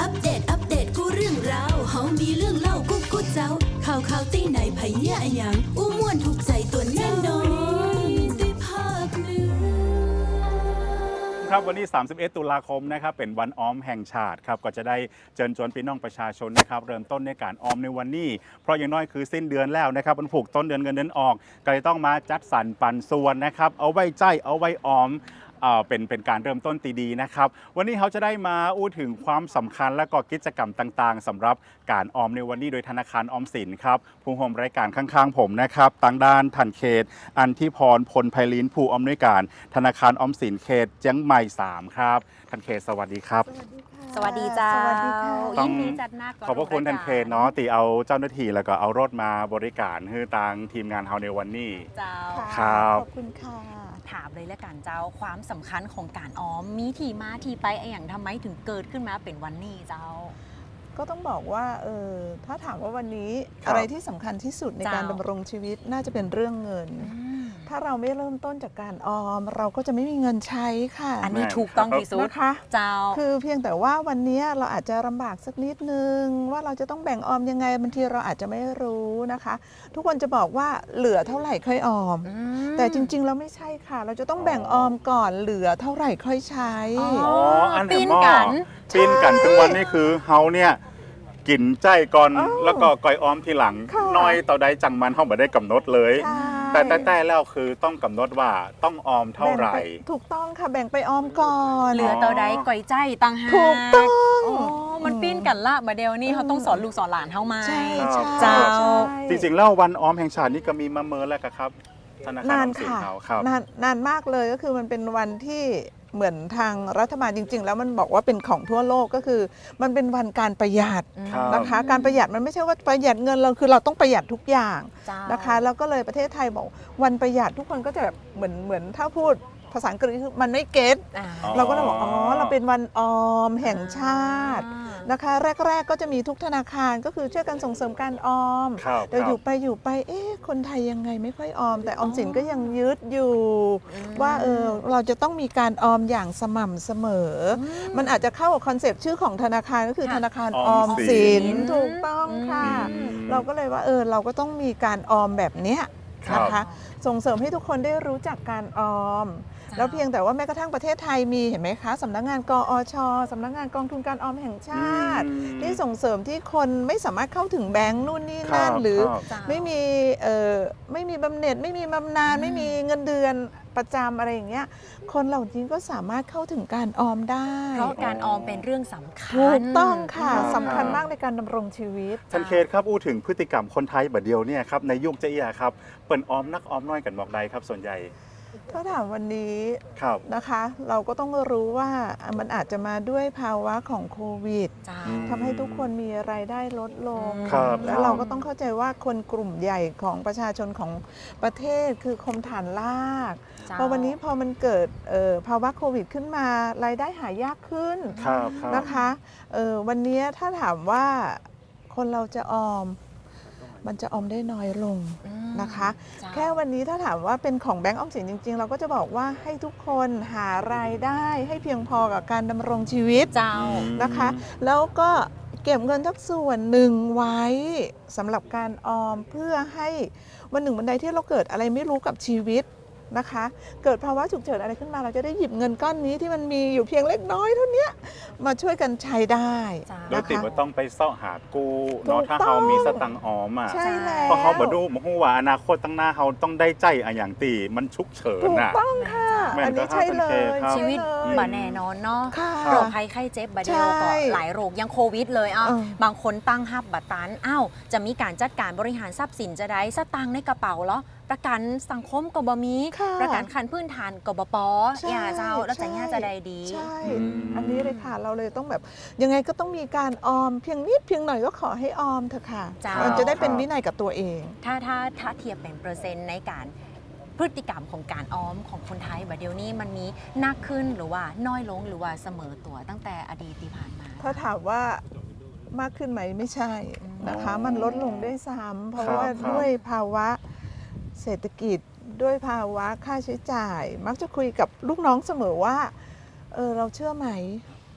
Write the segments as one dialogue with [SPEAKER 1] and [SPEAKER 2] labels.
[SPEAKER 1] อัปเดตกูเรื่องราวเฮามีเรื่องเล่ากูเจ้าข่าวตีไหนไผเนี่ยอะหยังอู้ม่วนถูกใจตัวแน่นอนได้ภาคเหนือ
[SPEAKER 2] ครับวันนี้31ตุลาคมนะครับเป็นวันออมแห่งชาติครับก็จะได้เชิญชวนพี่น้องประชาชนนะครับเริ่มต้นในการออมในวันนี้เพราะอย่างน้อยคือสิ้นเดือนแล้วนะครับมันผูกต้นเดือนเงินเดือนออกก็เลยต้องมาจัดสรรปันส่วนนะครับเอาไว้ใจเอาไว้ออมเป็นการเริ่มต้นตีดีนะครับวันนี้เขาจะได้มาอู้ถึงความสำคัญและก็กิจกรรมต่างๆสำหรับการออมในวันนี้โดยธนาคารออมสินครับผู้ร่วมรายการข้างๆผมนะครับต่างด้านทันเขตอันทิพรพลไพลินผู้อำนวยการธนาคารออมสินเขตเจียงใหม่3ครับทันเขตสวัสดีครับ
[SPEAKER 3] สวัสดีเจ้า
[SPEAKER 4] สวัสดีค่ะ
[SPEAKER 3] ยินดีจัดหน้าก่อน
[SPEAKER 2] ขอบพระคุณทันเขตเนาะตีเอาเจ้าหน้าที่แล้วก็เอารถมาบริการให้ทางทีมงานเฮาในวันนี้
[SPEAKER 3] เจ้า
[SPEAKER 2] ครับ
[SPEAKER 4] ขอบคุณค่ะ
[SPEAKER 3] ถามเลยแล้วกันเจ้าความสำคัญของการออมมีที่มาที่ไปอย่างทำไมถึงเกิดขึ้นมาเป็นวันนี้เจ้า
[SPEAKER 4] ก็ต้องบอกว่าถ้าถามว่าวันนี้
[SPEAKER 2] ครับ
[SPEAKER 4] อะไรที่สำคัญที่สุดในการ
[SPEAKER 3] เจ้า
[SPEAKER 4] ดำรงชีวิตน่าจะเป็นเรื่องเงิน ถ้าเราไม่เริ่มต้นจากการออม เราก็จะไม่มีเงินใช้ค่ะ
[SPEAKER 3] อันนี้ถูกต้องที่สุด
[SPEAKER 4] นะคะ
[SPEAKER 3] เจ้า
[SPEAKER 4] คือเพียงแต่ว่าวันนี้เราอาจจะลำบากสักนิดนึงว่าเราจะต้องแบ่งออมยังไงบางทีเราอาจจะไม่รู้นะคะ ทุกคนจะบอกว่าเหลือเท่าไหร่ค่อยออม แต่จริงๆเราไม่ใช่ค่ะ เราจะต้องแบ่งออมก่อนเหลือเท่าไหร่ค่อยใช้
[SPEAKER 3] อ๋อ
[SPEAKER 2] อัน
[SPEAKER 3] ปิ้
[SPEAKER 2] เห็นหม้อ
[SPEAKER 3] นกัน
[SPEAKER 2] ปิ้นกันถึงวันนี้คือเฮาเนี่ยกินใจก่อน
[SPEAKER 4] อ๋อ
[SPEAKER 2] แล้วก็ก่อยออมทีหลัง
[SPEAKER 4] ค่ะ
[SPEAKER 2] น้อยต่อใดจังมันเฮาบ่ได้กำหนดเลย
[SPEAKER 4] ใช่
[SPEAKER 2] แต่แล้วคือต้องกำหนดว่าต้องออมเท่าไหร่
[SPEAKER 4] แบ่งปถูกต้องค่ะแบ่งไปออมก่อน
[SPEAKER 3] เหลือตัวใดก่อยใจตังหาก
[SPEAKER 4] ถูกต้อง
[SPEAKER 3] อ๋อมันปิ้นกันละมาเดียวนี่เขาต้องสอนลูกสอนหลานเท่ามา
[SPEAKER 4] ใช่
[SPEAKER 2] ครับ
[SPEAKER 4] ใช่
[SPEAKER 3] เจ้า
[SPEAKER 4] ใช่
[SPEAKER 2] จริงๆแล้ววันออมแห่งชาตินี่ก็มีมาเมินแล้วครับธนาคารอ
[SPEAKER 4] นา
[SPEAKER 2] อน มสิน
[SPEAKER 4] ค่ะ
[SPEAKER 2] เขาครับ
[SPEAKER 4] นานมากเลยก็คือมันเป็นวันที่เหมือนทางรัฐบาลจริง ๆ แล้วมันบอกว่าเป็นของทั่วโลกก็คือ มันเป็นวันการประหยัด
[SPEAKER 2] ครับ
[SPEAKER 4] นะคะ การประหยัดมันไม่ใช่ว่าประหยัดเงินเราคือเราต้องประหยัดทุกอย่าง
[SPEAKER 3] เจ้า
[SPEAKER 4] นะคะแล้วก็เลยประเทศไทยบอกวันประหยัดทุกคนก็จะแบบเหมือนถ้าพูดภาษาอังกฤษคือมันไม่เก็ต
[SPEAKER 3] อ่า
[SPEAKER 4] เราก็เลยบอกอ๋อเราเป็นวันออมแห่งชาตินะคะแรก ๆ ก็จะมีทุกธนาคารก็คือช่วยกันส่งเสริมการออม
[SPEAKER 2] ครับ
[SPEAKER 4] แต่อยู่ไปคนไทยยังไงไม่ค่อยออม แต่ออมสินก็ยังยึดอยู่ ว่าเราจะต้องมีการออมอย่างสม่ำเสมออมันอาจจะเข้ากับคอนเซปต์ชื่อของธนาคารก็คือ
[SPEAKER 3] ค่ะ
[SPEAKER 4] ธนาคาร
[SPEAKER 2] อ
[SPEAKER 4] อ
[SPEAKER 2] อ
[SPEAKER 4] อ
[SPEAKER 2] ม
[SPEAKER 4] ม
[SPEAKER 2] สิ
[SPEAKER 4] สิ
[SPEAKER 2] น
[SPEAKER 4] นถูกต้องค่ะ
[SPEAKER 2] อืม
[SPEAKER 4] เราก็เลยว่าเราก็ต้องมีการออมแบบเนี้ย
[SPEAKER 2] ครับ
[SPEAKER 4] นะคะส่งเสริมให้ทุกคนได้รู้จักการออม แล้วเพียงแต่ว่าแม้กระทั่งประเทศไทยมีเห็นไหมคะสำนักงานกอชสำนักงานกองทุนการออมแห่งชาติ ที่ส่งเสริมที่คนไม่สามารถเข้าถึงแบงค์นู่นนี่นั่น
[SPEAKER 2] ครับ
[SPEAKER 4] หรือ
[SPEAKER 2] ครับ
[SPEAKER 3] เจ้า
[SPEAKER 4] ไม่มีบำเหน็จไม่มีบำนาญไม่มีเงินเดือนประจำอะไรอย่างเงี้ยคนเหล่านี้ก็สามารถเข้าถึงการออมได้
[SPEAKER 3] เพราะการออมเป็นเรื่องสำคัญ
[SPEAKER 4] ถูกต้องค่ะ
[SPEAKER 2] ครับ
[SPEAKER 4] สำคัญมากในการดำรงชีวิต
[SPEAKER 2] ทันเขตครับอู้ถึงพฤติกรรมคนไทยแบบเดียวเนี่ยครับในยุคเจียครับเปิ่นออมนักออมน้อยกันบอกใดครับส่วนใหญ่
[SPEAKER 4] ถ้าถามวันนี้
[SPEAKER 2] ครับ
[SPEAKER 4] นะคะ เราก็ต้องรู้ว่ามันอาจจะมาด้วยภาวะของโควิด
[SPEAKER 3] เจ้า
[SPEAKER 4] ทำให้ทุกคนมีรายได้ลดลง
[SPEAKER 2] ครับ
[SPEAKER 4] แล้วเราก็ต้องเข้าใจว่าคนกลุ่มใหญ่ของประชาชนของประเทศคือคมฐานลาก
[SPEAKER 3] เจ้า
[SPEAKER 4] พอวันนี้พอมันเกิดภาวะโควิดขึ้นมารายได้หายากขึ้น
[SPEAKER 2] ครับครับ
[SPEAKER 4] นะคะวันนี้ถ้าถามว่าคนเราจะออม มันจะออมได้น้อยลงนะคะ
[SPEAKER 3] เจ้า
[SPEAKER 4] แค่วันนี้ถ้าถามว่าเป็นของแบงก์ออมสินจริง ๆ เราก็จะบอกว่าให้ทุกคนหารายได้ให้เพียงพอกับการดำรงชีวิต
[SPEAKER 3] เจ้า
[SPEAKER 4] นะคะ แล้วก็เก็บเงินทักส่วนหนึ่งไว้สำหรับการออมเพื่อให้วันหนึ่งวันใดที่เราเกิดอะไรไม่รู้กับชีวิตนะคะ เกิดภาวะฉุกเฉินอะไรขึ้นมาเราจะได้หยิบเงินก้อนนี้ที่มันมีอยู่เพียงเล็กน้อยเท่านี้มาช่วยกันใช้ได้
[SPEAKER 2] โดย
[SPEAKER 4] นะ
[SPEAKER 2] ติด
[SPEAKER 4] คะ
[SPEAKER 2] ว่าต้องไปเสาะหากู้เนาะ
[SPEAKER 4] ถูก
[SPEAKER 2] ถ้า
[SPEAKER 4] ต้อง
[SPEAKER 2] เฮามีสตังค์ออมอ่ะ
[SPEAKER 4] ใช่แล้ว
[SPEAKER 2] เพราะเขาบอกดูมาฮู้ว่าอนาคตตั้งหน้าเฮาต้องได้ใจอะอย่างตีมันฉุกเฉิน
[SPEAKER 4] ถูก
[SPEAKER 2] อ่ะ
[SPEAKER 4] ต้องค่ะ
[SPEAKER 2] แม่น
[SPEAKER 4] อันนี้
[SPEAKER 2] ก็
[SPEAKER 4] ใช่เล
[SPEAKER 2] ห้าพัน
[SPEAKER 4] ย
[SPEAKER 2] เคครับ
[SPEAKER 3] ชีวิต
[SPEAKER 4] ใช่เลย
[SPEAKER 3] บ่แน่นอนเนาะ
[SPEAKER 4] ค่ะ
[SPEAKER 3] โรคภัยไข้เจ็บบาดเดียว
[SPEAKER 4] ใช่
[SPEAKER 3] ก็หลายโรคยังโควิดเลยอ่ะ
[SPEAKER 4] เออ
[SPEAKER 3] บางคนตั้งฮับบัตรตันอ้าวจะมีการจัดการบริหารทรัพย์สินจะได้สตังค์ในกระเป๋าเหรอประกันสังคมก็บ่มี
[SPEAKER 4] ค่ะ
[SPEAKER 3] ประกันขั้นพื้นฐานก็บ่ปอ
[SPEAKER 4] ใช่
[SPEAKER 3] อย่าเจ้าแล้วจะย่าจะได้ดี
[SPEAKER 4] ใช่
[SPEAKER 2] อืม
[SPEAKER 4] อันนี้เลยค่ะเราเลยต้องแบบยังไงก็ต้องมีการออมเพียงนิดเพียงหน่อยก็ขอให้ออมเถอะค่ะ
[SPEAKER 3] จ้ามั
[SPEAKER 4] มันจะได้เป็นวินัยกับตัวเอง
[SPEAKER 3] ถ้าเทียบเป็นเปอร์เซ็นต์ในการพฤติกรรมของการออมของคนไทยบัดเดี๋ยวนี้มันมีหนักขึ้นหรือว่าน้อยลงหรือว่าเสมอตัวตั้งแต่อดีตที่ผ่านมา
[SPEAKER 4] ถ้าถามว่ามากขึ้นไหมไม่ใช่นะคะ
[SPEAKER 2] อ๋อ
[SPEAKER 4] มันลดลงด้วยซ้ำเพราะ
[SPEAKER 2] ครับ
[SPEAKER 4] ว่า
[SPEAKER 2] ครับ
[SPEAKER 4] ด้วยภาวะเศรษฐกิจด้วยภาวะค่าใช้จ่าย มักจะคุยกับลูกน้องเสมอว่าเราเชื่อไหม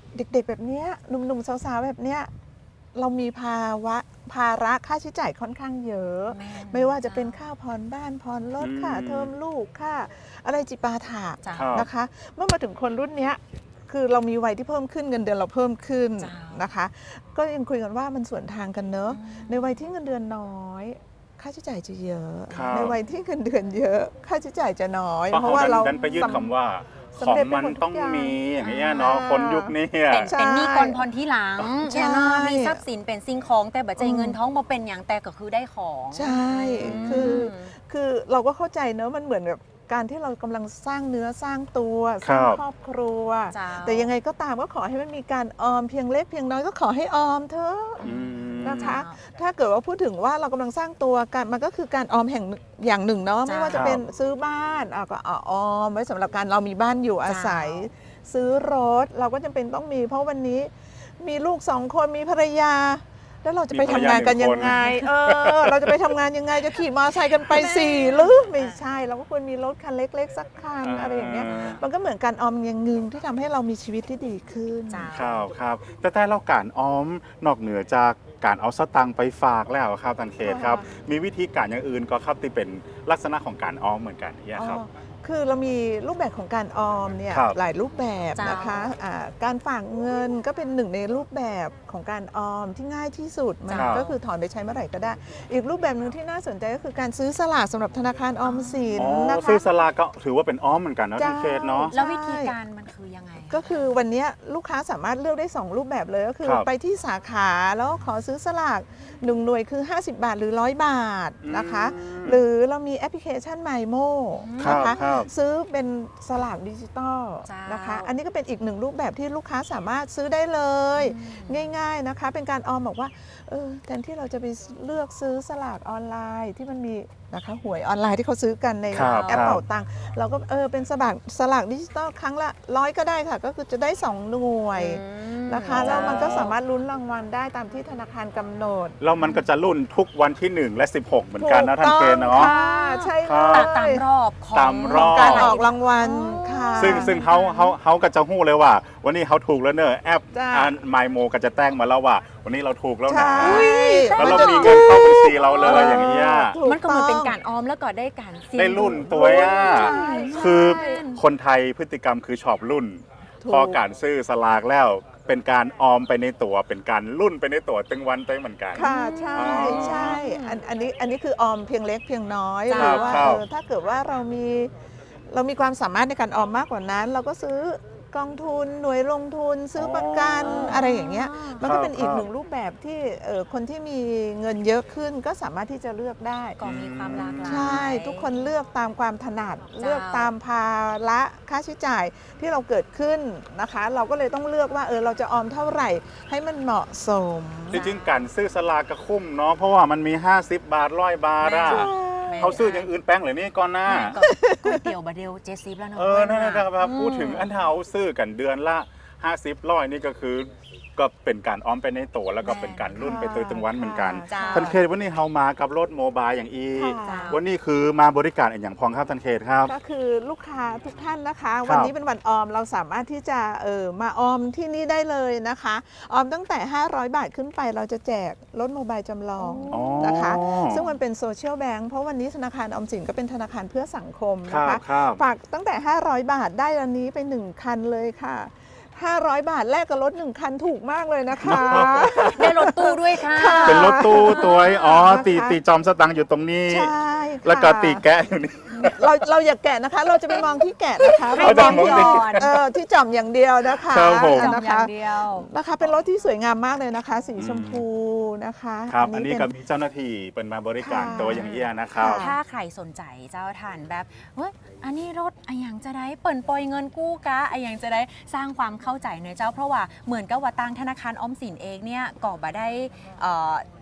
[SPEAKER 4] เด็กๆแบบเนี้ยหนุ่มๆสาวๆแบบเนี้ยเรามีภาระค่าใช้จ่ายค่อนข้างเยอะ ไม่ว่าจะเป็นค่าผ่อนบ้านผ่อนรถค่าเทอมลูกค่าอะไรจิปาถะ
[SPEAKER 3] จ้า
[SPEAKER 2] ครับ
[SPEAKER 4] นะคะ เมื่อมาถึงคนรุ่นเนี้ยคือเรามีวัยที่เพิ่มขึ้นเงินเดือนเราเพิ่มขึ้น
[SPEAKER 3] จ้าน
[SPEAKER 4] นะคะ ก็ยังคุยกันว่ามันสวนทางกันเนอะในวัยที่เงินเดือนน้อย ค่าใช้จ่ายจะเยอะ
[SPEAKER 2] ครับ
[SPEAKER 4] ในวัยที่เงินเดือนเยอะ ค่าใช้จ่ายจะน้อย
[SPEAKER 2] เพราะว่าเราดันไปยึดคำว่าข
[SPEAKER 4] สำ
[SPEAKER 2] อง
[SPEAKER 4] เร็จไป
[SPEAKER 2] มัน
[SPEAKER 4] หมดทุก
[SPEAKER 2] ต้อง
[SPEAKER 4] อย่าง
[SPEAKER 2] มีอย่างเงี้ยเนาะคนยุคนี้อะ
[SPEAKER 3] เป็นหนี้ก่อนพรที่หลัง
[SPEAKER 4] ใช่
[SPEAKER 3] เนาะมีทรัพย์สินเป็นสิ่งของแต่บัจจัยเงินท้องมาเป็นอย่างแต่ก็คือได้ของ
[SPEAKER 4] ใช่ คือเราก็เข้าใจเนอะมันเหมือนกับการที่เรากำลังสร้างเนื้อสร้างตัวสร้างครอบครัว
[SPEAKER 3] จ้า
[SPEAKER 4] แต่ยังไงก็ตามก็ขอให้มันมีการออมเพียงเล็กเพียงน้อยก็ขอให้ออมเถอะ
[SPEAKER 2] อืม
[SPEAKER 4] นะคะ ถ้าเกิดว่าพูดถึงว่าเรากำลังสร้างตัวกันมันก็คือการออมแห่งอย่างหนึ่งเนาะ
[SPEAKER 3] จ้า
[SPEAKER 4] ไม่ว่าจะเป็นซื้อบ้านก็ออมไว้สำหรับการเรามีบ้านอยู่อาศัย ซื้อรถเราก็จำเป็นต้องมี เพราะวันนี้มีลูก2 คนมีภรรยา แล้วเราจะไปทำงานกันยังไงเราจะไปทำงานยังไงจะขี่มอเตอร์ไซค์กันไป4หรือไม่ใช่เราก็ควรมีรถคันเล็กๆสักคันอะไรอย่างเงี้ยมันก็เหมือนการออมอย่างหนึ่งที่ทำให้เรามีชีวิตที่ดีขึ้น
[SPEAKER 3] จ้า
[SPEAKER 2] ครับครับแต่เราการออมนอกเหนือจากการเอาสตังค์ไปฝากแล้วครับท่านเขตครับ มีวิธีการอย่างอื่นก็ครับที่เป็นลักษณะของการออมเหมือนกันเนี่ยครับ
[SPEAKER 4] คือเรามีรูปแบบของการออมเนี่ย
[SPEAKER 2] ครับ
[SPEAKER 4] หลายรูปแบบ
[SPEAKER 3] จ้าน
[SPEAKER 4] นะคะการฝากเงินก็เป็นหนึ่งในรูปแบบของการออมที่ง่ายที่สุดมัน
[SPEAKER 2] ครับ
[SPEAKER 4] ก็คือถอนไปใช้เมื่อไหร่ก็ได้ อีกรูปแบบหนึ่งที่น่าสนใจก็คือการซื้อสลากสำหรับธนาคารออมสิน
[SPEAKER 2] อ๋อ
[SPEAKER 4] นะคะ
[SPEAKER 2] ซื้อสลากก็ถือว่าเป็นออมเหมือนกันเนาะท่านเขตเนาะ
[SPEAKER 3] แล้ววิธีการมันคือยังไง
[SPEAKER 4] ก็คือวันนี้ลูกค้าสามารถเลือกได้ 2 รูปแบบเลยก็คือ
[SPEAKER 2] ครับ
[SPEAKER 4] ไปที่สาขาแล้วขอซื้อสลาก1 หน่วยคือ 50 บาทหรือ 100 บาทนะคะ หรือเรามีแอปพลิเคชัน MyMo
[SPEAKER 2] ครับ
[SPEAKER 4] นะคะ
[SPEAKER 2] ครับ
[SPEAKER 4] ซื้อเป็นสลากดิจิตอล
[SPEAKER 3] จ้าน
[SPEAKER 4] นะคะ อันนี้ก็เป็นอีกหนึ่งรูปแบบที่ลูกค้าสามารถซื้อได้เลย ง่ายๆนะคะ เป็นการออมบอกว่าแทนที่เราจะไปเลือกซื้อสลากออนไลน์ที่มันมีนะคะหวยออนไลน์ที่เขาซื้อกันใน
[SPEAKER 2] ครับ
[SPEAKER 4] แอปเป๋าตังค์เราก็เป็นสลากดิจิตอลครั้งละ100ก็ได้ค่ะ ก็คือจะได้ 2 หน่วยนะคะ
[SPEAKER 2] อ๋อ
[SPEAKER 4] แล้วมันก็สามารถลุ้นรางวัลได้ตามที่ธนาคารกำหนด
[SPEAKER 2] แล้วมันก็จะรุ่นทุกวันที่ 1 และ 16 เหมือนกันนะท่านเขตเนาะ
[SPEAKER 4] ถูกต้องค่ะใช่
[SPEAKER 2] ครั
[SPEAKER 4] เล
[SPEAKER 2] บ
[SPEAKER 3] ตาม
[SPEAKER 4] ย
[SPEAKER 3] รอบของ
[SPEAKER 2] ตามรอบ
[SPEAKER 4] การออกรางวัลค่ะ
[SPEAKER 2] ซึ่งเขาก็จะหู้เลยว่า วันนี้เขาถูกแล้วเนอะแอป
[SPEAKER 4] จ้า
[SPEAKER 2] ไมโมก็จะแจ้งมาแล้วว่า วันนี้เราถูกแล้วนะ
[SPEAKER 4] ใช่
[SPEAKER 2] แล้วเรามีเงินเข้าบัญชีเราเลยอย่างเงี้ย
[SPEAKER 4] ถู
[SPEAKER 3] มันก็เหมือนเป็น
[SPEAKER 4] ต้อง
[SPEAKER 3] การออมแล้วก็ได้การเสี่ยง
[SPEAKER 2] ได้รุ่นตัวอ่ะ
[SPEAKER 4] ใช่
[SPEAKER 2] คือคนไทยพฤติกรรมคือชอบรุ่น
[SPEAKER 4] ถูก
[SPEAKER 2] พอการซื้อสลากแล้วเป็นการออมไปในตัว เป็นการรุ่นไปในตัวตึงวันตึงเหมือนกัน
[SPEAKER 4] ค่ะใช่
[SPEAKER 2] อ๋อ
[SPEAKER 4] ใช่อันนี้คือออมเพียงเล็กเพียงน้อย
[SPEAKER 3] จ้า
[SPEAKER 4] หรือว่า
[SPEAKER 2] ครับ
[SPEAKER 4] ถ้าเกิดว่าเรามีความสามารถในการออมมากกว่านั้น เราก็ซื้อกองทุนหน่วยลงทุนซื้อประกันอะไรอย่างเงี้ยมันก็เป็นอีกหนึ่งรูปแบบที่คนที่มีเงินเยอะขึ้นก็สามารถที่จะเลือกได้
[SPEAKER 3] ก็มีความหลากหลาย
[SPEAKER 4] ใช่ทุกคนเลือกตามความถนัด
[SPEAKER 3] จ้า
[SPEAKER 4] เลือกตามภาระค่าใช้จ่ายที่เราเกิดขึ้นนะคะ เราก็เลยต้องเลือกว่าเราจะออมเท่าไหร่ให้มันเหมาะสม
[SPEAKER 2] จริงๆการซื้อสลากก็คุ้มเนาะเพราะว่ามันมี 50 บาท100 บาทอ่ะ
[SPEAKER 3] แม่
[SPEAKER 2] เขาซื้ออย่างอื่นแป้งเหรือนี่ก่อนหน้า
[SPEAKER 3] ก็ก๋วยเตี๋ยวบะเดียว70แล้วเนาะ
[SPEAKER 2] นั่นนะครับพูดถึงอันเทาซื้อกันเดือนละ 50 100นี่ก็คือก็เป็นการออมไปในตัวแล้วก็เป็นการรุ่นไปตัวตึงวันเหมือนกัน
[SPEAKER 3] จ้า
[SPEAKER 2] ท่านเขตวันนี้เฮามากับรถโมบายอย่างอี
[SPEAKER 4] ค่ะ
[SPEAKER 2] วันนี้คือมาบริการอย่างพองครับท่านเขตครับ
[SPEAKER 4] ก็คือลูกค้าทุกท่านนะคะ
[SPEAKER 2] ครับ
[SPEAKER 4] วันนี้เป็นวันออมเราสามารถที่จะมาออมที่นี่ได้เลยนะคะ ออมตั้งแต่ 500 บาทขึ้นไปเราจะแจกรถโมบายจำลอง
[SPEAKER 2] อ๋อ
[SPEAKER 4] นะคะ ซึ่งมันเป็นโซเชียลแบงค์เพราะวันนี้ธนาคารออมสินก็เป็นธนาคารเพื่อสังคม
[SPEAKER 2] ครั
[SPEAKER 4] นะ
[SPEAKER 2] บ
[SPEAKER 4] คะ
[SPEAKER 2] ครับ
[SPEAKER 4] ฝากตั้งแต่ 500 บาทได้อันนี้ไป 1 คันเลยค่ะ 500 บาทแลกกับรถ 1 คันถูกมากเลยนะคะ
[SPEAKER 3] ได้รถตู้ด้วยค่ะ
[SPEAKER 2] เป็นรถตู้ตัวอ๋อ
[SPEAKER 4] นะคะ
[SPEAKER 2] ตีจอมสตังค์อยู่ตรงนี้
[SPEAKER 4] ใช่ค่ะ
[SPEAKER 2] แล้วก็ตีแกะอยู่นี่
[SPEAKER 4] เราอย่าแกะนะคะ เราจะไปมองที่แกะนะคะ
[SPEAKER 3] ให้
[SPEAKER 4] เรา
[SPEAKER 3] จอม
[SPEAKER 4] มองที่
[SPEAKER 3] ก่อน
[SPEAKER 4] ที่จอมอย่างเดียวนะคะ
[SPEAKER 2] ครับผม
[SPEAKER 3] จอม
[SPEAKER 4] นะ
[SPEAKER 3] อย่า
[SPEAKER 4] คะ
[SPEAKER 3] งเดียว
[SPEAKER 4] นะคะเป็นรถที่สวยงามมากเลยนะคะ สีชมพูนะคะ
[SPEAKER 2] ครับ อันนี้
[SPEAKER 4] เป็
[SPEAKER 2] ก็มีเจ้าหน้าที่เป็นมาบริการ
[SPEAKER 4] ค่ะ
[SPEAKER 2] ตัวอย่างเอี้ยนะครับ
[SPEAKER 4] ค่ะ
[SPEAKER 3] ถ้าใครสนใจเจ้าทานแบบเฮ้ยอันนี้รถอะอย่างจะได้เปิ่นปล่อยเงินกู้กะอะอย่างจะได้สร้างความเข้าใจในเจ้าเพราะว่าเหมือนกับว่าทางธนาคารออมสินเองเนี่ยก็บ่ได้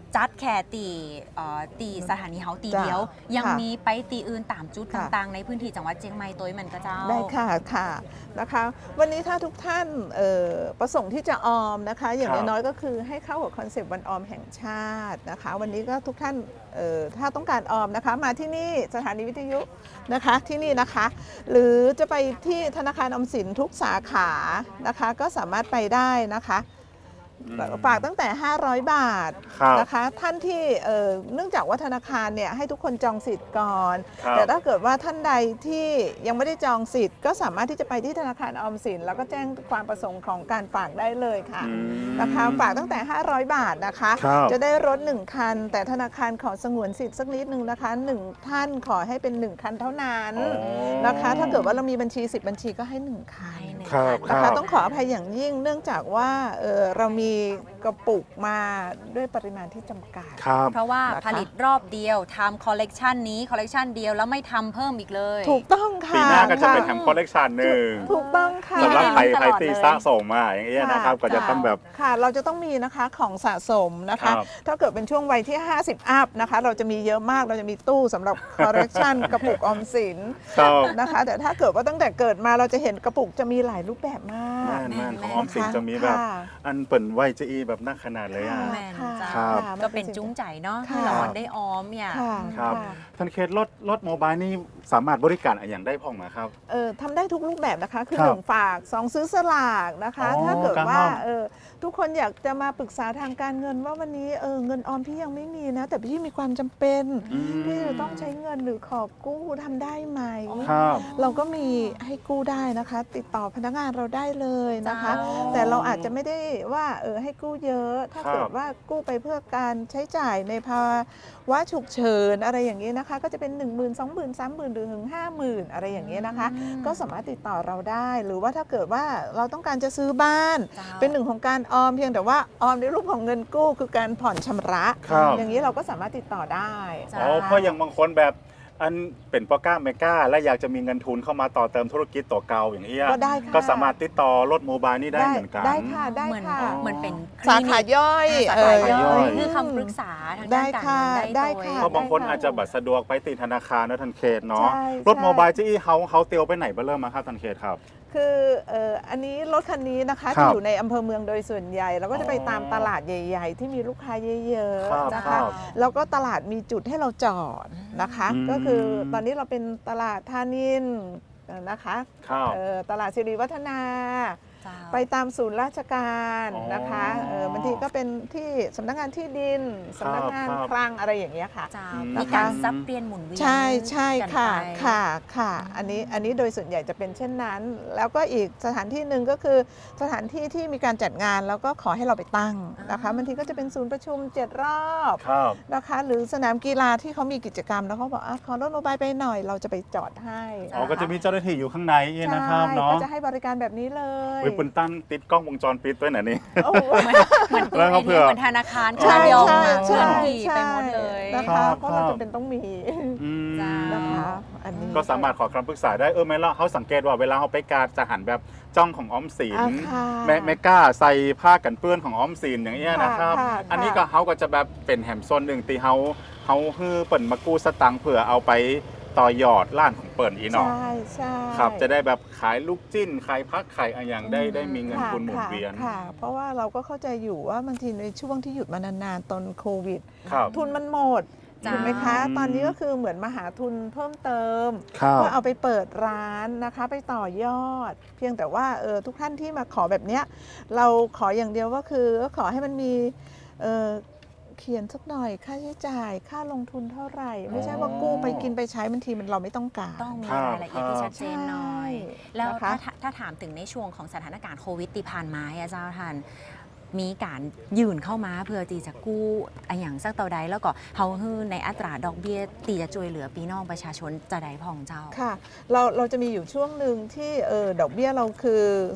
[SPEAKER 3] จัดแค่ตีสถานีเฮาตีเดียว ยัง
[SPEAKER 4] ค่ะ
[SPEAKER 3] มีไปตีอื่นตามจุด
[SPEAKER 4] ค่ะ
[SPEAKER 3] ต่างๆ ในพื้นที่จังหวัดเชียงใหม่ตัวมันก็เจ้า
[SPEAKER 4] ได้ค่ะค่ะนะคะ วันนี้ถ้าทุกท่านประสงค์ที่จะออมนะคะ อย่าง
[SPEAKER 2] ครับ
[SPEAKER 4] น้อยๆก็คือให้เข้ากับคอนเซปต์วันออมแห่งชาตินะคะ วันนี้ก็ทุกท่านถ้าต้องการออมนะคะ มาที่นี่สถานีวิทยุนะคะที่นี่นะคะ หรือจะไปที่ธนาคารออมสินทุกสาขานะคะ ก็สามารถไปได้นะคะ ฝากตั้งแต่ 500 บาท
[SPEAKER 2] ครับ
[SPEAKER 4] นะคะท่านที่เนื่องจากว่าธนาคารเนี่ยให้ทุกคนจองสิทธิ์ก่อน
[SPEAKER 2] ครับ
[SPEAKER 4] แต่ถ้าเกิดว่าท่านใดที่ยังไม่ได้จองสิทธิ์ก็สามารถที่จะไปที่ธนาคารออมสินแล้วก็แจ้งความประสงค์ของการฝากได้เลยค่ะ
[SPEAKER 2] อืม
[SPEAKER 4] นะคะฝากตั้งแต่ 500 บาทนะคะ
[SPEAKER 2] ครับ
[SPEAKER 4] จะได้รถ 1 คัน แต่ธนาคารขอสงวนสิทธิ์สักนิดนึงนะคะ 1 ท่านขอให้เป็น 1 คันเท่านั้น
[SPEAKER 2] อ๋อ
[SPEAKER 4] นะคะ ถ้าเกิดว่าเรามีบัญชี 10 บัญชีก็ให้ 1 คัน
[SPEAKER 2] ครับ
[SPEAKER 4] นะคะต้องขออภัยอย่างยิ่งเนื่องจากว่าเรามีกระปุกมาด้วยปริมาณที่จำกัด
[SPEAKER 2] ครับ
[SPEAKER 3] เพราะว่า
[SPEAKER 4] นะคะ
[SPEAKER 3] ผลิตรอบเดียวทำคอลเลกชันนี้คอลเลกชันเดียวแล้วไม่ทำเพิ่มอีกเลย
[SPEAKER 4] ถูกต้องค่ะ
[SPEAKER 2] ปีหน้าก็จะเป็น
[SPEAKER 4] ค่
[SPEAKER 2] แถมคอลเลกชันหนึ่ง
[SPEAKER 4] ถูกต้องค่ะ
[SPEAKER 2] สำหรับใคร
[SPEAKER 3] ตลอด
[SPEAKER 2] ที่
[SPEAKER 3] เลย
[SPEAKER 2] สะสมมาอย่างเงี้ยนะครับ ก็จะต้องแบบ
[SPEAKER 4] ค่ะ เราจะต้องมีนะคะของสะสมนะคะ
[SPEAKER 2] ครับ
[SPEAKER 4] ถ้าเกิดเป็นช่วงวัยที่ 50 อัพนะคะ เราจะมีเยอะมาก เราจะมีตู้สำหรับคอลเลกชัน กระปุกออมสิน
[SPEAKER 2] ครับ
[SPEAKER 4] นะคะ แต่ถ้าเกิดว่าตั้งแต่เกิดมาเราจะเห็นกระปุกจะมีหลายรูปแบบมาก
[SPEAKER 2] แม่นๆของ
[SPEAKER 3] แม่น
[SPEAKER 2] ออมสินจะมีแบบ
[SPEAKER 4] ค่ะ
[SPEAKER 2] อันเปิ่นไวจะอีแบบนักขนาดเลยอ่ะ
[SPEAKER 3] แม่น
[SPEAKER 4] ค่ะ
[SPEAKER 3] จ้า
[SPEAKER 2] ครับ
[SPEAKER 4] ค่ะ
[SPEAKER 3] ก็เป็นจุ้งใจเนาะ
[SPEAKER 4] ค่ะ
[SPEAKER 3] ให้เราได้ออมเนี่ย
[SPEAKER 4] ค่ะ
[SPEAKER 2] ครับ
[SPEAKER 4] ค่ะ
[SPEAKER 2] ท่านเคสรถโมบายนี่สามารถบริการอะไรอย่างได้พ่องไหมครับ
[SPEAKER 4] ทำได้ทุกรูปแบบนะคะ คือ
[SPEAKER 2] ครับ
[SPEAKER 4] 1 ฝาก 2 ซื้อสลากนะคะ
[SPEAKER 2] อ๋อ
[SPEAKER 4] ถ้าเกิด
[SPEAKER 2] การ
[SPEAKER 4] ว่า
[SPEAKER 2] ออม
[SPEAKER 4] ทุกคนอยากจะมาปรึกษาทางการเงินว่าวันนี้เงินออมพี่ยังไม่มีนะ แต่พี่มีความจำเป็น
[SPEAKER 2] อืม
[SPEAKER 4] ที่จะต้องใช้เงินหรือขอกู้ทำได้ไหม
[SPEAKER 2] ครับ
[SPEAKER 4] เราก็มีให้กู้ได้นะคะ ติดต่อพนักงานเราได้เลยนะคะ
[SPEAKER 3] จ้า
[SPEAKER 4] แต่เราอาจจะไม่ได้ว่าให้กู้เยอะ ถ้า
[SPEAKER 2] ครับ
[SPEAKER 4] เกิดว่ากู้ไปเพื่อการใช้จ่ายในภาวะฉุกเฉินอะไรอย่างนี้นะคะ ก็จะเป็น 10,000 20,000 30,000 หรือถึง 50,000 อะไรอย่างนี้นะคะ ก็สามารถติดต่อเราได้ หรือว่าถ้าเกิดว่าเราต้องการจะซื้อบ้าน
[SPEAKER 3] จ้า
[SPEAKER 4] เป็นหนึ่งของการออมเพียงแต่ว่าออมในรูปของเงินกู้คือการผ่อนชำระ
[SPEAKER 2] ครับ
[SPEAKER 4] อย่างนี้เราก็สามารถติดต่อได้
[SPEAKER 3] จ้า
[SPEAKER 2] อ๋อเพราะอย่างบางคนแบบอันเป็นปอก้าเมก้าและอยากจะมีเงินทุนเข้ามาต่อเติมธุรกิจตัวเก่าอย่างเงี้ย
[SPEAKER 4] ก็ได้ค่ะ
[SPEAKER 2] ก็สามารถติดต่อรถโมบายนี่ได้เหมือนกัน
[SPEAKER 4] ได้ค่ะได้
[SPEAKER 3] เหมือน
[SPEAKER 4] ค่ะ
[SPEAKER 3] เหมือนเป็นค
[SPEAKER 4] สา
[SPEAKER 3] ลินิ
[SPEAKER 4] ขาก ย่อย
[SPEAKER 3] สาขาย่
[SPEAKER 2] ย่
[SPEAKER 3] อ
[SPEAKER 2] อย ย
[SPEAKER 3] คือคำปรึกษาทาง
[SPEAKER 4] ได้
[SPEAKER 3] ด้านการ
[SPEAKER 4] ค่ะ
[SPEAKER 3] เงิน
[SPEAKER 4] ได้
[SPEAKER 3] โดย
[SPEAKER 4] ค่ะ
[SPEAKER 2] เพราะบางคนอาจจะบัตรสะดวกไปติดธนาคารนะทันเคสเนาะ
[SPEAKER 4] ใช่
[SPEAKER 2] รถ
[SPEAKER 4] ใช่
[SPEAKER 2] โมบายจี้เขาเตียวไปไหนบ้างเริ่มมาครับทันเคสครับ
[SPEAKER 4] คืออันนี้รถคันนี้นะคะ
[SPEAKER 2] ครับ
[SPEAKER 4] จะอยู่ในอำเภอเมืองโดยส่วนใหญ่เราก็จะไปตามตลาดใหญ่ ๆ ที่มีลูกค้าเยอะ
[SPEAKER 2] ครับ
[SPEAKER 4] ๆนะ
[SPEAKER 2] ครั
[SPEAKER 4] คะ
[SPEAKER 2] บ
[SPEAKER 4] แล้วก็ตลาดมีจุดให้เราจอดนะคะ
[SPEAKER 2] อืม
[SPEAKER 4] ก็คือตอนนี้เราเป็นตลาดธานินนะคะ
[SPEAKER 2] ครับ
[SPEAKER 4] ตลาดสิริวัฒนา
[SPEAKER 3] จ้า
[SPEAKER 4] ไปตามศูนย์ราชการ
[SPEAKER 2] อ๋อ
[SPEAKER 4] นะคะบางทีก็เป็นที่สำนักงานที่ดินสำนักงาน
[SPEAKER 2] ครับ
[SPEAKER 4] คลังอะไรอย่างเงี้ยค่ะ
[SPEAKER 3] จ้า
[SPEAKER 2] อืม
[SPEAKER 3] มีการซับเปลี่ยนหมุนเวียน
[SPEAKER 4] ใช่ใช่
[SPEAKER 3] กัน
[SPEAKER 4] ค่ะ
[SPEAKER 3] ไป
[SPEAKER 4] ค่ะอันนี้โดยส่วนใหญ่จะเป็นเช่นนั้น แล้วก็อีกสถานที่หนึ่งก็คือสถานที่ที่มีการจัดงานแล้วก็ขอให้เราไปตั้งนะคะบางทีก็จะเป็นศูนย์ประชุม7 รอบ
[SPEAKER 2] ครับ
[SPEAKER 4] นะคะ หรือสนามกีฬาที่เขามีกิจกรรมแล้วเขาบอกขอรถโมบายไปหน่อยเราจะไปจอดให้
[SPEAKER 2] อ๋อก็จะมีเจ้าหน้าที่อยู่ข้างในนะครับ
[SPEAKER 4] ใช่
[SPEAKER 2] เนาะ
[SPEAKER 4] ก็จะให้บริการแบบนี้เลย
[SPEAKER 2] วิปุนตั้นติดกล้องวงจรปิดด้วยนะนี่
[SPEAKER 4] โอ้โห
[SPEAKER 3] เหมือน
[SPEAKER 2] แล้วเขาเผื่อ
[SPEAKER 3] เหมือนธนาคาร
[SPEAKER 4] ใช่
[SPEAKER 3] ยอม
[SPEAKER 4] ใช่
[SPEAKER 3] เคลื่อนที่
[SPEAKER 4] ใช่
[SPEAKER 3] ไปหมดเลย
[SPEAKER 4] นะ
[SPEAKER 2] ครั
[SPEAKER 4] คะ
[SPEAKER 2] บ
[SPEAKER 4] เพราะเราจำเป็นต้องมี
[SPEAKER 2] อืม
[SPEAKER 3] จ้า
[SPEAKER 4] นะคะอันนี้
[SPEAKER 2] ก็สามารถขอคำปรึกษาได้แม่ละเขาสังเกตว่าเวลาเขาไปการจะหันแบบจ้องของออมสิน
[SPEAKER 4] ค่ะ
[SPEAKER 2] แม่กล้าใส่ผ้ากันเปื้อนของออมสินอย่างเงี้ยนะครับ
[SPEAKER 4] ค่ะ
[SPEAKER 2] อันนี้ก็เขาก็จะแบบเป็นแหมโซนหนึ่งตีเขาฮือเปิ่นมากู้สตังค์เผื่อเอาไปต่อยอดร้านของเปิ่นอีเนาะ
[SPEAKER 4] ใช่ใช่
[SPEAKER 2] ครับจะได้แบบขายลูกจิ้นขายพักขายอะไรอย่างได้มีเงินทุนหมุนเวียน
[SPEAKER 4] ค่ะ เพราะว่าเราก็เข้าใจอยู่ว่าบางทีในช่วงที่หยุดมานานๆตอนโควิด
[SPEAKER 2] ครับ
[SPEAKER 4] ทุนมันหมด
[SPEAKER 3] จ้า
[SPEAKER 4] ถูกไหมคะ
[SPEAKER 2] อืม
[SPEAKER 4] ตอนนี้ก็คือเหมือนมาหาทุนเพิ่มเติม
[SPEAKER 2] ครับ
[SPEAKER 4] เพื่อเอาไปเปิดร้านนะคะไปต่อยอด เพียงแต่ว่าทุกท่านที่มาขอแบบเนี้ยเราขออย่างเดียวก็คือก็ขอให้มันมีเขียนสักหน่อยค่าใช้จ่ายค่าลงทุนเท่าไหร่ ไม่ใช่ว่ากู้ไปกินไปใช้บางทีมันเราไม่ต้องการ
[SPEAKER 3] ต้องมี
[SPEAKER 2] ครับ
[SPEAKER 3] รายละเอียดที่ชัดเจนหน่อย
[SPEAKER 4] ใช่
[SPEAKER 3] แล้ว
[SPEAKER 4] นะคะ
[SPEAKER 3] ถ้าถามถึงในช่วงของสถานการณ์โควิดที่ผ่านมาอะเจ้าท่านมีการยื่นเข้ามาเพื่อที่จะกู้อะอย่างสักเต่าใดแล้วก็เฮาฮื้อในอัตราดอกเบี้ยตีจะช่วยเหลือพี่น้องประชาชนจะได้พ่องเจ้า
[SPEAKER 4] ค่ะเราจะมีอยู่ช่วงหนึ่งที่ดอกเบี้ยเราคือ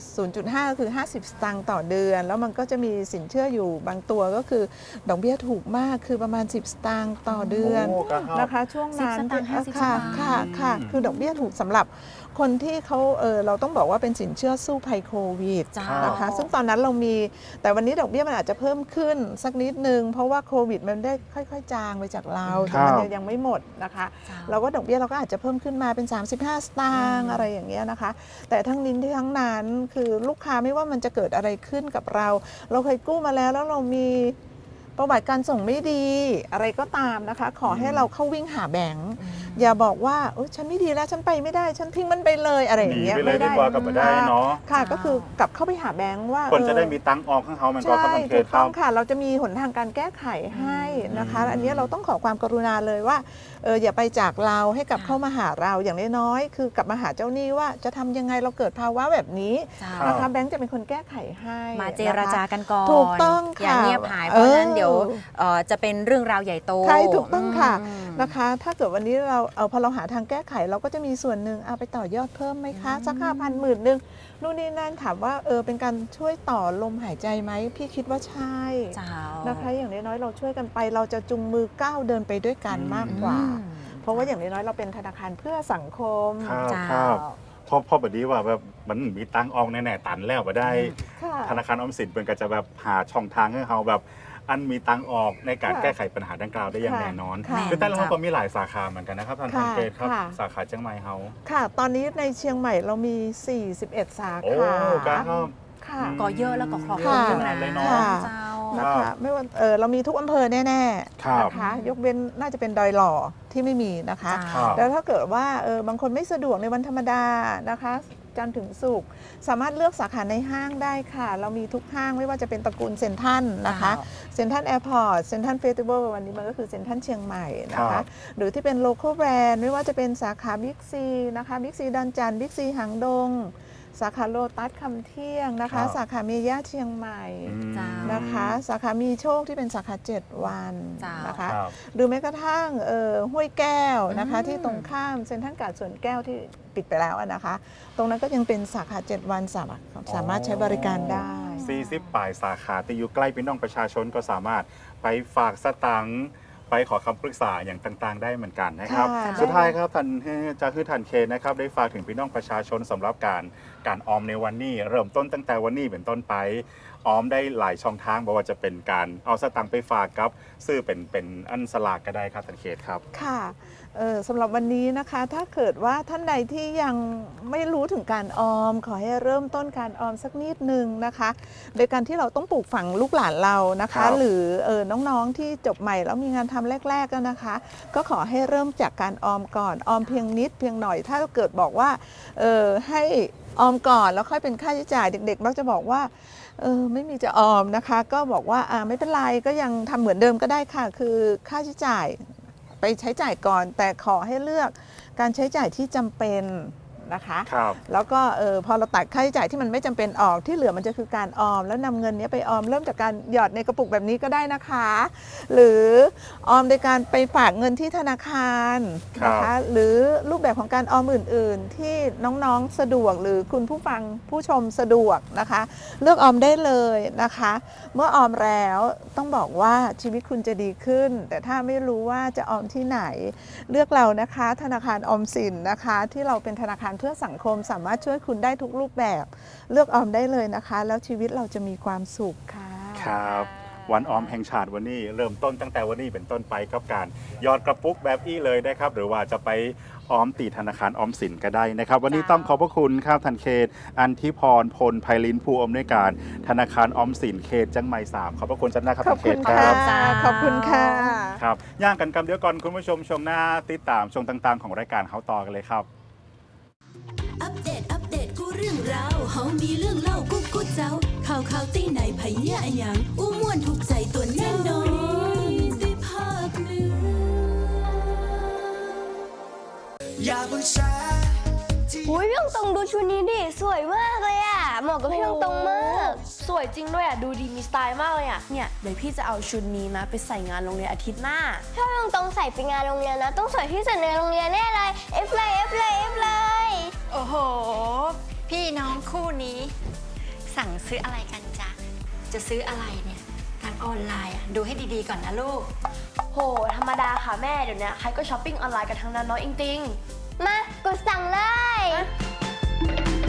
[SPEAKER 4] 0.5 คือ 50 สตางค์ต่อเดือน แล้วมันก็จะมีสินเชื่ออยู่บางตัวก็คือดอกเบี้ยถูกมากคือประมาณ 10 สตางค์ต่อเดือน
[SPEAKER 2] โอ้ครับ
[SPEAKER 4] นะคะช่วงนั้น
[SPEAKER 3] 10สตางค์50
[SPEAKER 4] ค่ะ
[SPEAKER 3] สตางค์
[SPEAKER 4] ค่ะคือดอกเบี้ยถูกสำหรับคนที่เขาเราต้องบอกว่าเป็นสินเชื่อสู้ภัยโควิด
[SPEAKER 3] เจ้า
[SPEAKER 4] นะคะซึ่งตอนนั้นเรามีแต่วันวันนี้ดอกเบี้ยมันอาจจะเพิ่มขึ้นสักนิดนึงเพราะว่าโควิดมันได้ค่อยๆจางไปจากเรา
[SPEAKER 2] ครั
[SPEAKER 4] แต่
[SPEAKER 2] บ
[SPEAKER 4] มันยังไม่หมดนะคะเราก็ดอกเบี้ยเราก็อาจจะเพิ่มขึ้นมาเป็น35 สตางค์อะไรอย่างเงี้ยนะคะแต่ทั้งนี้ทั้งนั้นคือลูกค้าไม่ว่ามันจะเกิดอะไรขึ้นกับเราเคยกู้มาแล้วเรามีประวัติการส่งไม่ดีอะไรก็ตามนะคะขอให้เราเข้าวิ่งหาแบงค์อย่าบอกว่าฉันไม่ดีแล้วฉันไปไม่ได้ฉันทิ้งมันไปเลยอะไรอย่างเงี้ย
[SPEAKER 2] หนีไปเลยดีกว่ากับมาได้เนาะ
[SPEAKER 4] ค่ะก็คือกลับเข้าไปหาแบงค์ว่า
[SPEAKER 2] คนจะได้มีตังค์ออกข้างเขามันก็
[SPEAKER 4] ใช่
[SPEAKER 2] กำลังเค
[SPEAKER 4] ถู
[SPEAKER 2] ย
[SPEAKER 4] ก
[SPEAKER 2] เข้า
[SPEAKER 4] ต้องค่ะเราจะมีหนทางการแก้ไขให้นะคะอันนี้เราต้องขอความกรุณาเลยว่าอย่าไปจากเราให้กลับเข้ามาหาเราอย่างน้อยๆคือกลับมาหาเจ้าหนี้ว่าจะทำยังไงเราเกิดภาวะแบบนี้นะคะแบงค์จะเป็นคนแก้ไขให้
[SPEAKER 3] มาเจรจากันก่อน
[SPEAKER 4] ถูกต้องค่ะ
[SPEAKER 3] อย่าเงียบหายเพราะฉะนั้นเดี๋ยวจะเป็นเรื่องราวใหญ่โต
[SPEAKER 4] ใช่ถูกต้องค่ะ
[SPEAKER 3] อืม
[SPEAKER 4] นะคะถ้าเกิดวันนี้เราพอเราหาทางแก้ไขเราก็จะมีส่วนหนึ่งเอาไปต่อยอดเพิ่มไหมคะสัก5,000 10,000นึงนู่นนี่นั่นถามว่าเป็นการช่วยต่อลมหายใจไหมพี่คิดว่าใช่
[SPEAKER 3] เจ้า
[SPEAKER 4] นะคะอย่างน้อยๆเราช่วยกันไปเราจะจุงมือก้าวเดินไปด้วยกันมากกว่า เพราะว่าอย่างน้อยๆเราเป็นธนาคารเพื่อสังคม
[SPEAKER 2] ครับ
[SPEAKER 3] เจ้า
[SPEAKER 2] ครับพ่อแบบนี้ว่าแบบมันมีตังค์ออกแน่ๆตันแล้วมาได้
[SPEAKER 4] ค่ะ
[SPEAKER 2] ธนาคารออมสินเป็นก็จะแบบหาช่องทางให้เขาแบบอันมีตังค์ออกในการ
[SPEAKER 4] ค่ะ
[SPEAKER 2] แก้ไขปัญหาดังกล่าวได้อย่าง
[SPEAKER 4] ค่ะ
[SPEAKER 2] แน่นอน
[SPEAKER 4] ค่ะ
[SPEAKER 2] คือแต่ละเขาก็มีหลายสาขาเหมือนกันนะครับท่าน
[SPEAKER 4] ค่ะ
[SPEAKER 2] เกตครับ
[SPEAKER 4] ค่ะ
[SPEAKER 2] สาขาเชียงใหม่เขา
[SPEAKER 4] ค่ะ ตอนนี้ในเชียงใหม่เรามี 41 สา
[SPEAKER 2] โอ้
[SPEAKER 4] ขา
[SPEAKER 2] การเข้า
[SPEAKER 4] ค่ะ
[SPEAKER 3] ก็เยอะแล้วก็ครอบคลุม
[SPEAKER 4] ค่ะ
[SPEAKER 3] ทั้งนั้น
[SPEAKER 2] เลยเนาะ
[SPEAKER 3] ค่ะ
[SPEAKER 4] ค่ะ
[SPEAKER 3] เจ้า
[SPEAKER 4] นะคะไม่ว่าเรามีทุกอำเภอแน่ๆ
[SPEAKER 2] ครับ
[SPEAKER 4] นะคะยกเว้นน่าจะเป็นดอยหล่อที่ไม่มีนะคะ
[SPEAKER 2] ครับ
[SPEAKER 4] แล้วถ้าเกิดว่าบางคนไม่สะดวกในวันธรรมดานะคะจันทร์ถึงศุกร์สามารถเลือกสาขาในห้างได้ค่ะ เรามีทุกห้างไม่ว่าจะเป็นตระกูลเซ็นทรัลนะคะ เซ็นทรัลแอร์พอร์ตเซ็นทรัลเฟสติวัลวันนี้มันก็คือเซ็นทรัลเชียงใหม่นะ
[SPEAKER 2] ครั
[SPEAKER 4] คะ
[SPEAKER 2] บ
[SPEAKER 4] หรือที่เป็นโลคอลแบรนด์ไม่ว่าจะเป็นสาขาบิ๊กซีนะคะบิ๊กซีดอนจันทร์บิ๊กซีหางดง สาขาโลตัสคำเที่ยงนะ
[SPEAKER 2] ครั
[SPEAKER 4] คะ
[SPEAKER 2] บ
[SPEAKER 4] สาขาเมย่าเชียงใหม่
[SPEAKER 2] อืม
[SPEAKER 3] จ้า
[SPEAKER 4] นะคะสาขามีโชคที่เป็นสาขา 7 วัน
[SPEAKER 3] จ้าน
[SPEAKER 4] นะคะ
[SPEAKER 2] ครับ
[SPEAKER 4] หรือแม้กระทั่งห้วยแก้วนะคะ
[SPEAKER 3] อืม
[SPEAKER 4] ที่ตรงข้ามเซ็นทรัลการ์ดสวนแก้วที่ปิดไปแล้วนะคะ ตรงนั้นก็ยังเป็นสาขา 7 วันสามารถใช้บริการได้
[SPEAKER 2] 40 ปลายสาขาที่อยู่ใกล้พี่น้องประชาชนก็สามารถไปฝากสตังค์ไปขอคำปรึกษาอย่างต่างๆ ได้เหมือนกันนะครับ
[SPEAKER 4] ค่ะ
[SPEAKER 2] สุดท้ายครับท่านจะคือท่านเคนนะครับได้ฝากถึงพี่น้องประชาชนสำหรับการออมในวันนี้ เริ่มต้นตั้งแต่วันนี้เป็นต้นไปออมได้หลายช่องทางบอกว่าจะเป็นการเอาสตังค์ไปฝากกับซื้อเป็นอันสลากก็ได้ครับท่านเคนครับ
[SPEAKER 4] ค่ะสำหรับวันนี้นะคะถ้าเกิดว่าท่านใดที่ยังไม่รู้ถึงการออม ขอให้เริ่มต้นการออมสักนิดนึงนะคะโดยการที่เราต้องปลูกฝังลูกหลานเรานะ
[SPEAKER 2] ครั
[SPEAKER 4] คะ
[SPEAKER 2] บ
[SPEAKER 4] หรือน้องๆที่จบใหม่แล้วมีงานทำแรกๆแล้วนะคะ ก็ขอให้เริ่มจากการออมก่อนออมเพียงนิดเพียงหน่อย ถ้าเกิดบอกว่าให้ออมก่อนแล้วค่อยเป็นค่าใช้จ่ายเด็กๆมักจะบอกว่าไม่มีจะออมนะคะ ก็บอกว่าไม่เป็นไรก็ยังทำเหมือนเดิมก็ได้ค่ะ คือค่าใช้จ่ายไปใช้จ่ายก่อน แต่ขอให้เลือกการใช้จ่ายที่จำเป็นนะคะ
[SPEAKER 2] ครับ
[SPEAKER 4] แล้วก็พอเราตัดค่าใช้จ่ายที่มันไม่จำเป็นออกที่เหลือมันจะคือการออม แล้วนำเงินนี้ไปออมเริ่มจากการหยอดในกระปุกแบบนี้ก็ได้นะคะ หรือออมโดยการไปฝากเงินที่ธนาคารนะคะหรือรูปแบบของการออมอื่นๆ ที่น้องๆสะดวกหรือคุณผู้ฟังผู้ชมสะดวกนะคะ เลือกออมได้เลยนะคะ เมื่อออมแล้วต้องบอกว่าชีวิตคุณจะดีขึ้น แต่ถ้าไม่รู้ว่าจะออมที่ไหน เลือกเรานะคะธนาคารออมสินนะคะที่เราเป็นธนาคารเพื่อสังคมสามารถช่วยคุณได้ทุกรูปแบบ เลือกออมได้เลยนะคะ แล้วชีวิตเราจะมีความสุขค่ะ
[SPEAKER 2] ครับวันออมแห่งชาติวันนี้เริ่มต้นตั้งแต่วันนี้เป็นต้นไปกับการหยอดกระปุกแบบอี้เลยนะครับหรือว่าจะไปออมตีธนาคารออมสินก็ได้นะครับวันนี้ต้องขอบพระคุณครับท่านเขตอันธิพรพลไพลินผู้อำนวยการธนาคารออมสินเขตจังไหม่3ขอบพระคุณจันนะครับ
[SPEAKER 4] ขอ
[SPEAKER 2] ท่า
[SPEAKER 4] บ
[SPEAKER 2] นเข
[SPEAKER 4] คุ
[SPEAKER 2] ต
[SPEAKER 4] ณ
[SPEAKER 2] ค
[SPEAKER 4] ค่ะ
[SPEAKER 2] รับ
[SPEAKER 4] ขอบคุณค่ะ
[SPEAKER 2] ครับย่างกันกำเดียวก่อนคุณผู้ชมช่วงหน้าติดตามช่วงต่างๆ ของรายการเขาต่อกันเลยครับ
[SPEAKER 1] อัปเดตกูเรื่องราวเฮามีเรื่องเล่ากูเจ้าข่าวตีไหนไผเนี่ยอะหยังอู้ม่วนถูกใจตัวแน่นอนได้ภาคเหนือ
[SPEAKER 5] อย่าเพิ่งแชร์ที่
[SPEAKER 6] อุ้ยพี่ตรงดูชุดนี้ดิสวยมากเลยอ่ะเหมาะกับพี่ตรงมาก
[SPEAKER 7] สวยจริงด้วยอ่ะ ดูดีมีสไตล์มากเลยอ่ะ เนี่ย เดี๋ยวพี่จะเอาชุดนี้นะ ไปใส่งานโรงเรียนอาทิตย์หน้า
[SPEAKER 6] ถ้าพี่ตรงใส่ไปงานโรงเรียนนะต้องสวยที่สุดในโรงเรียนแน่เลยเอฟเลยเอฟเลยเอฟเลย
[SPEAKER 8] โอ้โห พี่น้องคู่นี้ สั่งซื้ออะไรกันจ๊ะ จะซื้ออะไรเนี่ยทางออนไลน์อะดูให้ดีๆก่อนนะลูก
[SPEAKER 7] โห ธรรมดาค่ะแม่ เดี๋ยวนี้ใครก็ช้อปปิ้งออนไลน์กันทั้งนั้นเนาะจริง
[SPEAKER 6] มากดสั่งเลย